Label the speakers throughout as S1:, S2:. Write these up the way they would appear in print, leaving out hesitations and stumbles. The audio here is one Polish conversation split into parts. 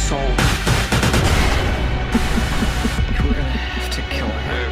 S1: soul. We're gonna have to kill her.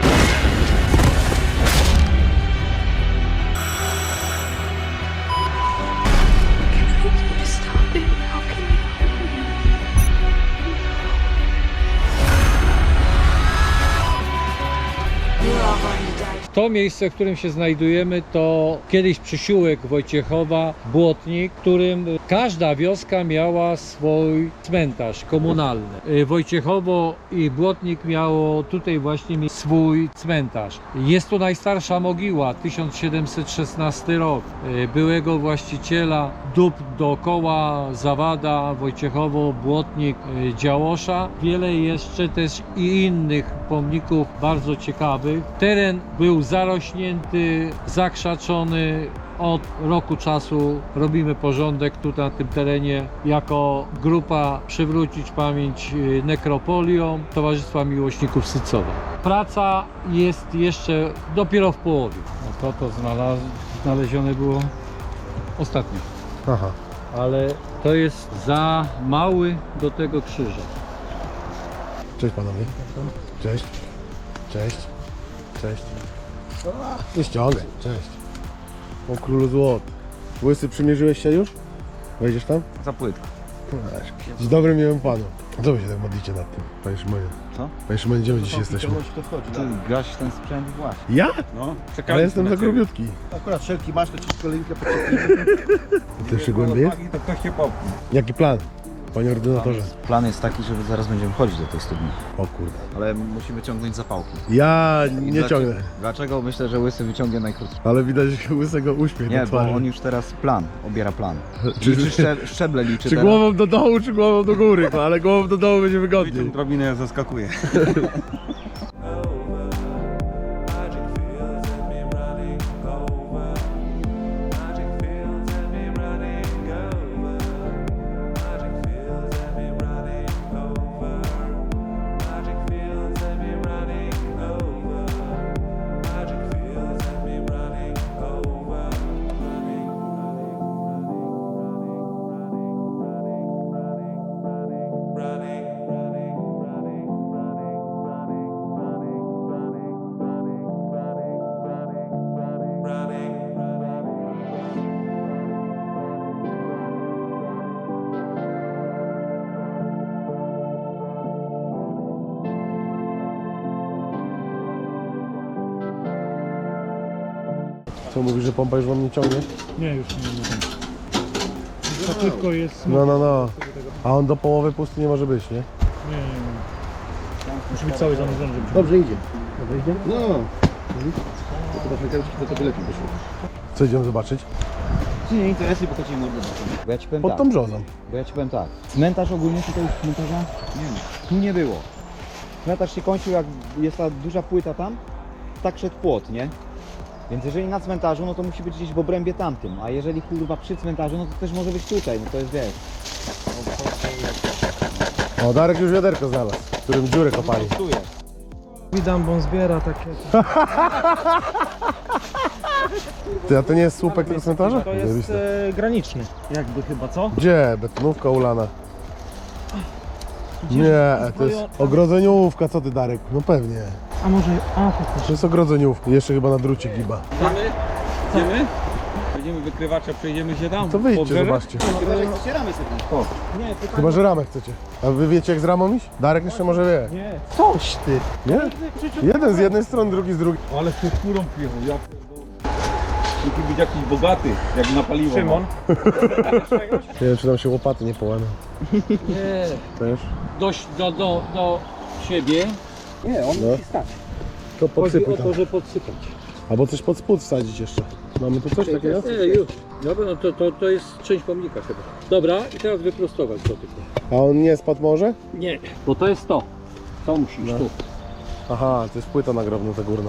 S2: To miejsce, w którym się znajdujemy, to kiedyś przysiółek Wojciechowa, Błotnik, w którym każda wioska miała swój cmentarz komunalny. Wojciechowo i Błotnik miało tutaj właśnie swój cmentarz. Jest to najstarsza mogiła, 1716 rok. Byłego właściciela dób dookoła Zawada, Wojciechowo, Błotnik, Działosza. Wiele jeszcze też i innych pomników bardzo ciekawych. Teren był zarośnięty, zakrzaczony. Od roku czasu robimy porządek tu na tym terenie jako grupa Przywrócić Pamięć Nekropolią Towarzystwa Miłośników Sycowa. Praca jest jeszcze dopiero w połowie. No to znalezione było ostatnio.
S3: Aha.
S2: Ale to jest za mały do tego krzyża.
S3: Cześć panowie. Cześć. Cześć. Cześć. Nie ściągaj. Cześć. O królu złot. Łysy, przymierzyłeś się już? Wejdziesz tam?
S4: Za płytko.
S3: Dzień dobry, miłym panu. Co wy się tak modlicie nad tym, panie Szymonie?
S4: Co?
S3: Panie Szymonie, gdzie my dziś jesteśmy?
S4: Ty gaś ten sprzęt właśnie.
S3: Ja?
S4: No,
S3: Ale jestem za grubiutki.
S5: Akurat wszelki masz, to ci kolejkę poczekamy.
S3: I ty jeszcze głębiej jest?
S4: To ktoś się popchnie.
S3: Jaki plan, panie ordynatorze?
S4: Plan jest taki, że zaraz będziemy wchodzić do tej studni.
S3: O kurde.
S4: Ale musimy ciągnąć zapałki.
S3: Ja nie
S4: Dlaczego-
S3: ciągnę.
S4: Dlaczego? Myślę, że Łysy wyciągnie najkrótszy.
S3: Ale widać łysego uśmiech
S4: Nie,
S3: na
S4: bo
S3: twarzy.
S4: on już teraz obiera plan.
S3: Czy-
S4: Liczy szczeble liczy
S3: Czy
S4: teraz.
S3: głową do dołu, czy głową do góry? No, ale głową do dołu będzie wygodniej.
S4: Drobinę zaskakuje.
S3: Co mówisz, że pompa już wam nie ciągnie?
S2: Nie, już nie wiem. Za szybko jest.
S3: No. A on do połowy pusty nie może być, nie?
S2: Nie. Musi być cały zanurzony, żeby
S5: Dobrze idzie. Dobrze idzie? No. To do Afrykanki to lepiej wyszło.
S3: Co idziemy zobaczyć?
S4: Nie interesuje, bo chodzimy mordę. Bo ja ci powiem
S3: Pod
S4: tak.
S3: tą brzozą.
S4: Bo ja ci powiem tak. Cmentarz ogólnie tutaj cmentarza nie ma. Tu nie było. Cmentarz się kończył, jak jest ta duża płyta tam, tak szedł płot, nie? Więc jeżeli na cmentarzu, no to musi być gdzieś w obrębie tamtym, a jeżeli kurwa przy cmentarzu, no to też może być tutaj, no to jest wiesz.
S3: O, Darek już wiaderko znalazł, w którym dziurę kopali.
S4: Tu jest.
S6: Widam, bo on zbiera takie.
S3: Ty, a to nie jest słupek tego cmentarza?
S6: To jest
S3: Zajebiste.
S6: graniczny. Jakby chyba, co?
S3: Gdzie? Betonówka ulana. Nie, to jest ogrodzeniówka, co ty Darek? No pewnie.
S6: A może. A, to
S3: To jest ogrodzeniówka. Jeszcze chyba na drucie giba.
S2: Idziemy? Będziemy wykrywacza, przejdziemy się tam.
S3: To wyjdźcie,
S2: Pobrzeże?
S3: zobaczcie.
S5: Otwieramy sobie.
S6: nie, pytanie.
S3: Chyba, że ramę chcecie. A wy wiecie jak z ramą iść? Darek jeszcze może wie.
S6: Nie. Coś ty.
S3: Nie? Jeden z jednej strony, drugi z drugiej.
S7: Ale z furą przyjechał, ja musi być jakiś bogaty, jak napaliło.
S6: Szymon.
S3: Nie wiem, czy nam się łopaty nie połamią.
S2: Nie.
S3: Też?
S2: Do siebie.
S6: Nie, on
S3: No.
S6: musi stać.
S3: To
S2: Chodzi
S3: podsypuj
S2: o
S3: tam.
S2: to, że podsypać.
S3: Albo coś pod spód wsadzić jeszcze. Mamy tu coś takiego?
S2: Nie, już. Dobra, no to jest część pomnika chyba. Dobra, i teraz wyprostować to tylko.
S3: A on nie spadł może?
S2: Nie. Bo to jest to. To musisz
S3: No.
S2: tu.
S3: Aha, to jest płyta nagrobna ta górna.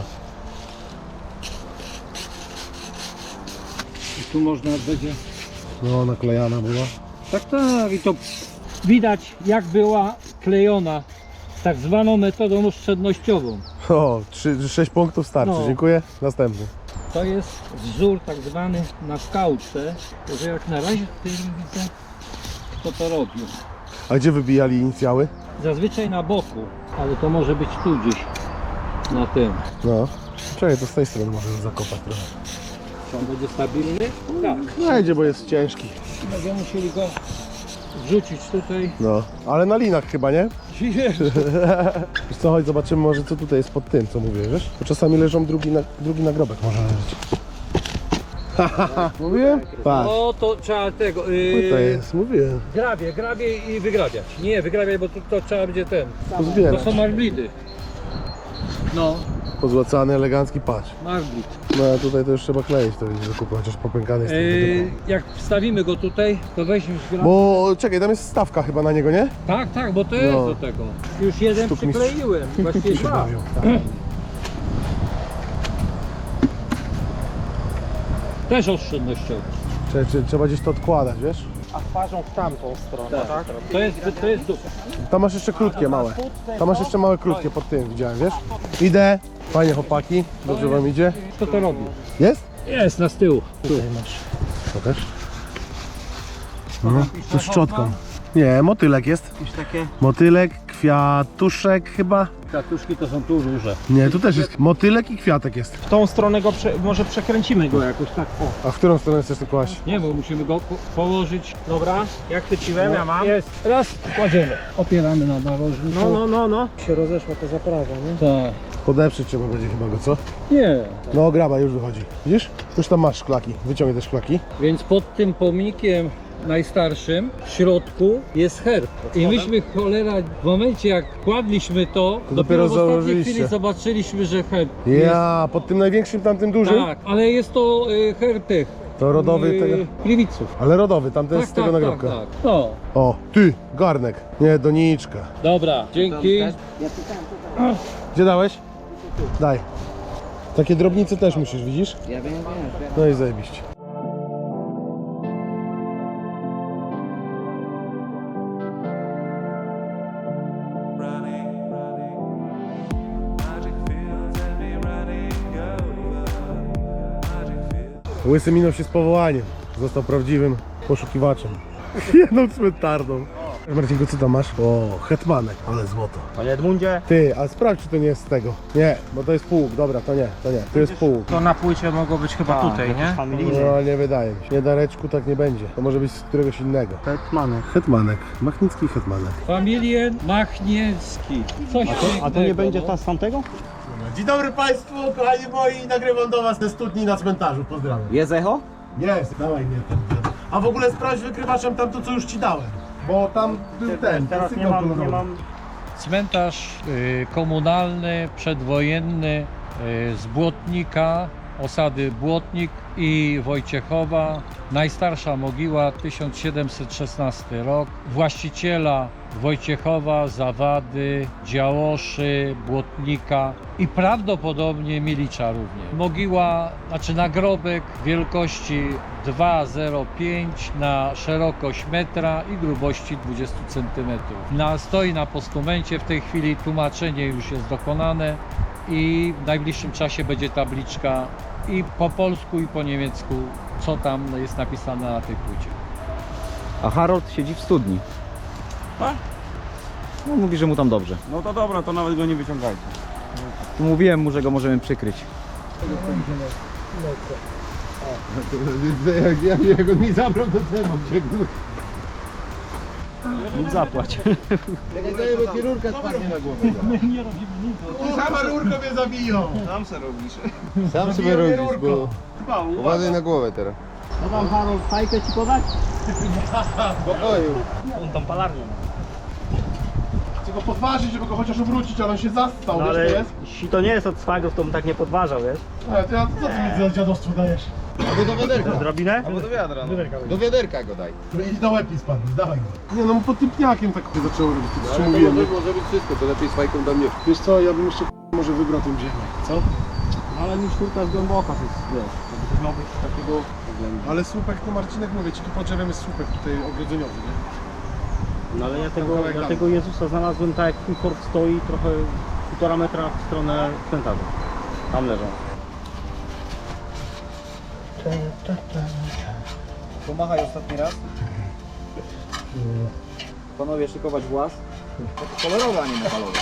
S2: I tu można będzie...
S3: No, naklejana była.
S2: Tak, i to widać jak była klejona tak zwaną metodą oszczędnościową.
S3: O, 6 punktów starczy,
S2: No.
S3: dziękuję. Następny.
S2: To jest wzór tak zwany na skałce, że jak na razie tutaj nie widzę kto to robił.
S3: A gdzie wybijali inicjały?
S2: Zazwyczaj na boku, ale to może być tu gdzieś, na tym.
S3: No. Czekaj, to z tej strony możemy zakopać trochę.
S2: Czy on będzie stabilny? Tak.
S3: Wejdzie, bo jest ciężki.
S2: Będziemy musieli go wrzucić tutaj.
S3: No. Ale na linach chyba, nie? Wiesz co, chodź zobaczymy może co tutaj jest pod tym, co mówię, wiesz? Bo czasami leżą drugi nagrobek może leżeć. Mówiłem? Patrz.
S2: O, to trzeba tego.
S3: To jest, mówiłem.
S2: Grabie i wygrabiać. Nie, wygrabiać, bo to trzeba będzie ten. To
S3: Pozbierać.
S2: są marblidy. No,
S3: Pozłacany, elegancki, patrz.
S2: marblit.
S3: No a tutaj to już trzeba kleić, to będzie zakupy, chociaż popękany jest.
S2: Jak wstawimy go tutaj, to weźmiesz grabie.
S3: Bo czekaj, tam jest stawka chyba na niego, nie?
S2: Tak, bo to jest
S3: No.
S2: do tego. Już jeden
S3: Sztuk mistrz.
S2: przykleiłem, właściwie
S3: się
S2: dwa.
S3: bawią.
S2: Też oszczędnościowy.
S3: Trzeba gdzieś to odkładać, wiesz?
S6: A twarzą w tamtą stronę, tak?
S2: To jest dupa.
S3: Tam masz jeszcze krótkie, małe. Tam masz jeszcze małe, krótkie pod tym, widziałem, wiesz? Idę. Fajnie, chłopaki. Dobrze wam idzie?
S2: Kto to robi?
S3: Jest?
S2: Jest, na z tyłu.
S6: Tutaj masz.
S3: Pokaż. No, to z szczotką. Nie, motylek jest.
S6: Jakieś takie?
S3: Motylek, kwiatuszek chyba.
S2: Katuszki to są tu duże.
S3: Nie, tu też jest motylek i kwiatek jest.
S6: W tą stronę go może przekręcimy go jakoś tak. O.
S3: A w którą stronę chcesz to kłaść?
S2: Nie, bo musimy go położyć.
S6: Dobra, jak chwyciłem, ja mam.
S2: Jest. Raz, kładziemy. Opieramy na narożniku.
S6: No. Się rozeszła ta zaprawa, nie?
S2: Tak.
S3: Podeprzeć trzeba będzie chyba go, co?
S2: Nie.
S3: No, graba już wychodzi. Widzisz? Już tam masz szklaki. Wyciągnij te szklaki.
S2: Więc pod tym pomnikiem najstarszym w środku jest herb. I myśmy, cholera, w momencie jak kładliśmy to,
S3: dopiero
S2: w ostatniej
S3: założyliście.
S2: chwili zobaczyliśmy, że herb
S3: Ja, pod tym największym, tamtym dużym?
S2: Tak, ale jest to herb tych.
S3: To rodowy tego.
S2: Gliwiców.
S3: Ale rodowy, tamten z tego nagrobka.
S2: tak. No,
S3: O, ty, garnek. Nie, doniczka.
S2: dobra, dzięki.
S3: Gdzie dałeś? Daj. Takie drobnice też musisz, widzisz?
S4: Ja wiem.
S3: No i zajebiście. Łysy minął się z powołaniem. Został prawdziwym poszukiwaczem. Jedną cmentarną. Marcinku, co tam masz? O, hetmanek, ale złoto.
S6: Panie Edmundzie,
S3: Ty, a sprawdź, czy to nie jest z tego. Nie, bo to jest półk, dobra, to nie. To jest półk.
S6: to na płycie mogło być chyba tutaj, nie?
S3: No, nie wydaje mi się. Nie, Dareczku, tak nie będzie. To może być z któregoś innego.
S6: Hetmanek.
S3: Hetmanek, machnicki hetmanek.
S2: Familien Machniewski. Coś
S6: A to nie będzie ta z tamtego?
S3: Dzień dobry Państwu, kochani moi, nagrywam do Was ze studni na cmentarzu, pozdrawiam.
S4: Jest echo?
S3: Jest, dawaj mnie ten. A w ogóle sprawdź wykrywaczem tamto, co już Ci dałem. Bo tam był ten,
S6: Teraz
S3: sygnał kolorowy.
S2: Cmentarz komunalny, przedwojenny z Błotnika, osady Błotnik i Wojciechowa. Najstarsza mogiła 1716 rok. Właściciela Wojciechowa, Zawady, Działoszy, Błotnika i prawdopodobnie Milicza również. Mogiła, znaczy nagrobek wielkości 2,05 na szerokość metra i grubości 20 cm. Stoi na postumencie, w tej chwili tłumaczenie już jest dokonane i w najbliższym czasie będzie tabliczka i po polsku i po niemiecku, co tam jest napisane na tej płycie.
S4: A Harold siedzi w studni. No mówi, że mu tam dobrze.
S7: No to dobra, to nawet go nie wyciągajcie.
S4: Mówiłem mu, że go możemy przykryć.
S3: Jak on mi zabrał, to co mam cię?
S6: Lub zapłać.
S3: Bo ci rurka spadnie na głowę. Nie robimy nic. Sama rurka mnie zabiją.
S7: Sam se robisz.
S5: Sam sobie robisz, bo uważaj na głowę teraz.
S6: No tam Harold fajkę ci podać?
S5: Spokoju.
S6: On tam palarnię ma.
S3: Chcę go podważyć, żeby go chociaż obrócić, ale on się zastał,
S6: No
S3: wiesz,
S6: ale
S3: to jest?
S6: jeśli to nie jest od swagów, to bym tak nie podważał, wiesz?
S3: Ale to ja, co ty mi za dziadostwo dajesz?
S5: Albo do wiaderka.
S6: Drobinę?
S5: Albo do wiadra. No. Do wiaderka go daj.
S3: I na łeb mi spadł, dawaj go. Nie no, pod tym pniakiem tak zaczęło robić, to
S5: Ale to
S3: mówiłem.
S5: może być wszystko, to lepiej z fajką do mnie.
S3: Wiesz co, ja bym jeszcze może wybrał tą ziemię, co?
S6: Ale mi szturka jest głęboka, to jest, wiesz, to miał być takiego...
S3: Ale słupek, to Marcinek mówię ci, tu pod drzewem jest słupek tutaj ogrodzeniowy, nie?
S6: No ale ja
S3: kawałek
S6: tego,
S3: dalej.
S6: tego Jezusa znalazłem tak jak twój fort stoi, trochę 1,5 metra w stronę cmentarza. Tam leżą.
S4: Pomachaj ostatni raz. panowie szykować włas. Kolorowe, a nie metalowe.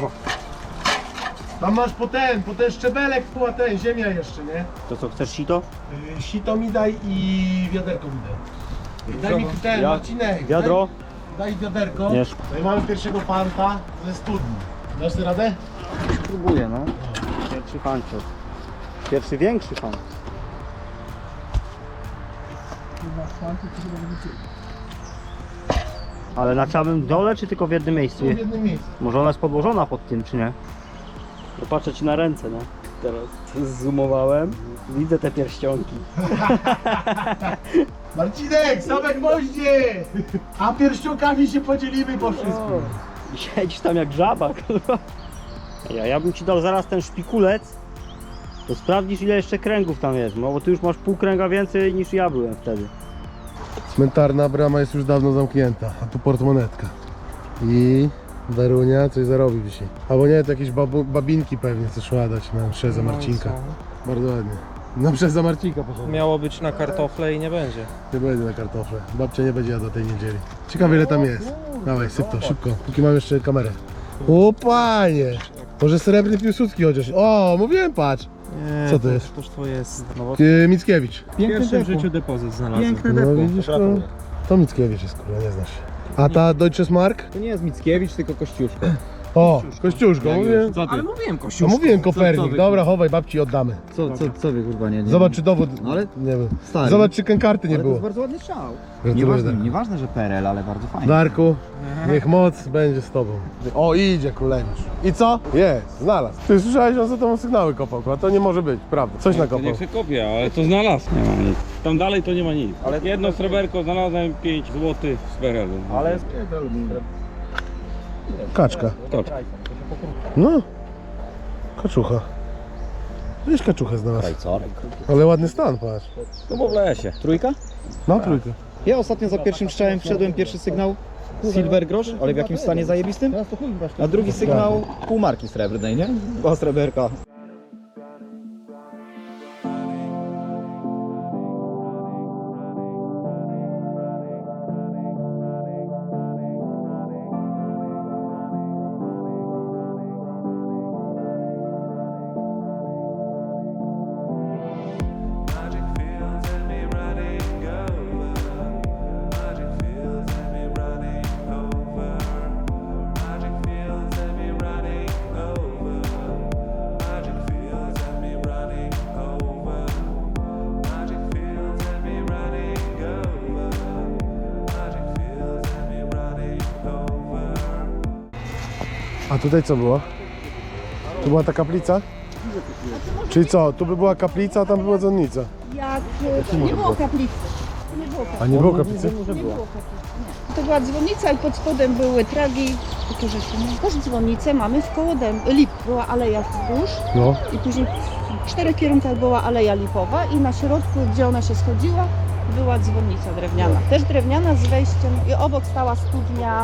S3: Tam masz po ten szczebelek, po ten, ziemia jeszcze, nie?
S6: To co, chcesz sito?
S3: Sito mi daj i wiaderko mi daj. Daj mi ten, Marcinek.
S6: Wiadro?
S3: Daj wiaderko.
S6: Nie.
S3: No i mamy pierwszego fanta ze studni. Dasz sobie radę?
S6: Spróbuję, no. Pierwszy fanciok. Pierwszy większy fan. Ale na całym dole, czy tylko w jednym miejscu?
S3: W jednym miejscu.
S6: Może ona jest podłożona pod tym, czy nie? Popatrzę ci na ręce, no. Teraz zoomowałem. Widzę te pierścionki.
S3: Marcinek, same gwoździe! A pierścionkami się podzielimy po wszystkim.
S6: I siedzisz tam jak żaba, kurwa. Ja bym ci dał zaraz ten szpikulec, to sprawdzisz ile jeszcze kręgów tam jest, no bo ty już masz pół kręga więcej niż ja byłem wtedy.
S3: Cmentarna brama jest już dawno zamknięta, a tu portmonetka. I Darunia coś zarobi dzisiaj. Albo nie, to jakieś babinki pewnie coś szła dać na mszę za Marcinka. Bardzo ładnie. Na mszę za Marcinka poszedł.
S8: Miało być na kartofle i nie będzie.
S3: Nie będzie na kartofle. Babcia nie będzie jadła tej niedzieli. Ciekawe ile tam jest. Dawaj, syp to, szybko, póki mam jeszcze kamerę. O panie! Może srebrny Piłsudski chociaż. O, mówiłem, patrz.
S8: Nie,
S3: Co to jest?
S8: Toż to jest. No,
S3: Mickiewicz.
S8: w pierwszym w życiu depozyt znalazłem.
S3: No widzisz, to Mickiewicz jest, kurwa, nie znasz się. A ta Deutsches Mark?
S4: To nie jest Mickiewicz, tylko Kościuszko.
S3: O, Kościuszko, mówię.
S8: Ale mówiłem
S3: No
S8: Kościół.
S3: mówiłem Kopernik, dobra, chowaj, babci oddamy.
S4: Co wy kurwa nie?
S3: Zobacz czy dowód,
S4: No ale
S3: nie wiem.
S4: stary.
S3: Zobacz czy karty nie
S4: Ale to
S3: było.
S4: jest bardzo ładny strzał.
S3: Gratuluję,
S4: Nieważne,
S3: Darku.
S4: nieważne, że PRL, ale bardzo fajnie.
S3: Darku, niech moc będzie z tobą. O, idzie kuleniusz. I co? Jest, znalazł. Ty słyszałeś, on za tobą sygnały kopał, a to nie może być, prawda. Coś nakopał.
S7: Nie chcę kopię, ale to znalazł. Nie ma nic. Tam dalej to nie ma nic. Ale jedno sreberko znalazłem 5 zł z PRL-u.
S6: Ale
S3: Kaczka.
S7: Kaczka.
S3: No. Kaczucha. Wiesz, kaczuchę znalazł. Ale ładny stan, patrz.
S7: No bo w lesie.
S4: Trójka?
S3: No, trójka.
S4: Ja ostatnio za pierwszym strzałem wszedłem, pierwszy sygnał Silver Grosz, ale w jakimś stanie zajebistym. A drugi sygnał półmarki srebrnej, nie? Była sreberka.
S3: A tutaj co było? Tu była ta kaplica? Czyli co? Tu by była kaplica, a tam by była dzwonnica.
S9: Jak nie było kaplicy. Nie było kaplicy.
S3: A nie było kaplicy?
S9: Nie było kaplicy. Nie. To była dzwonnica i pod spodem były tragi. To rzeczy, nie? Też dzwonnicę mamy w koło lip. Była aleja wzdłuż
S3: No.
S9: i później w 4 kierunkach była aleja lipowa i na środku, gdzie ona się schodziła, była dzwonnica drewniana. Też drewniana z wejściem i obok stała studnia.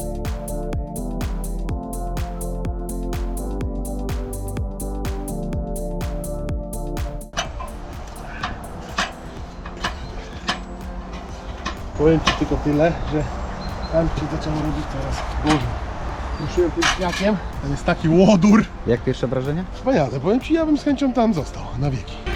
S3: Powiem ci tylko tyle, że tam się zaczęło robić coraz gorzej. Ruszyłem tym śniakiem, tam jest taki łodur.
S4: Jak pierwsze wrażenie?
S3: Wspaniale, powiem ci, ja bym z chęcią tam został na wieki.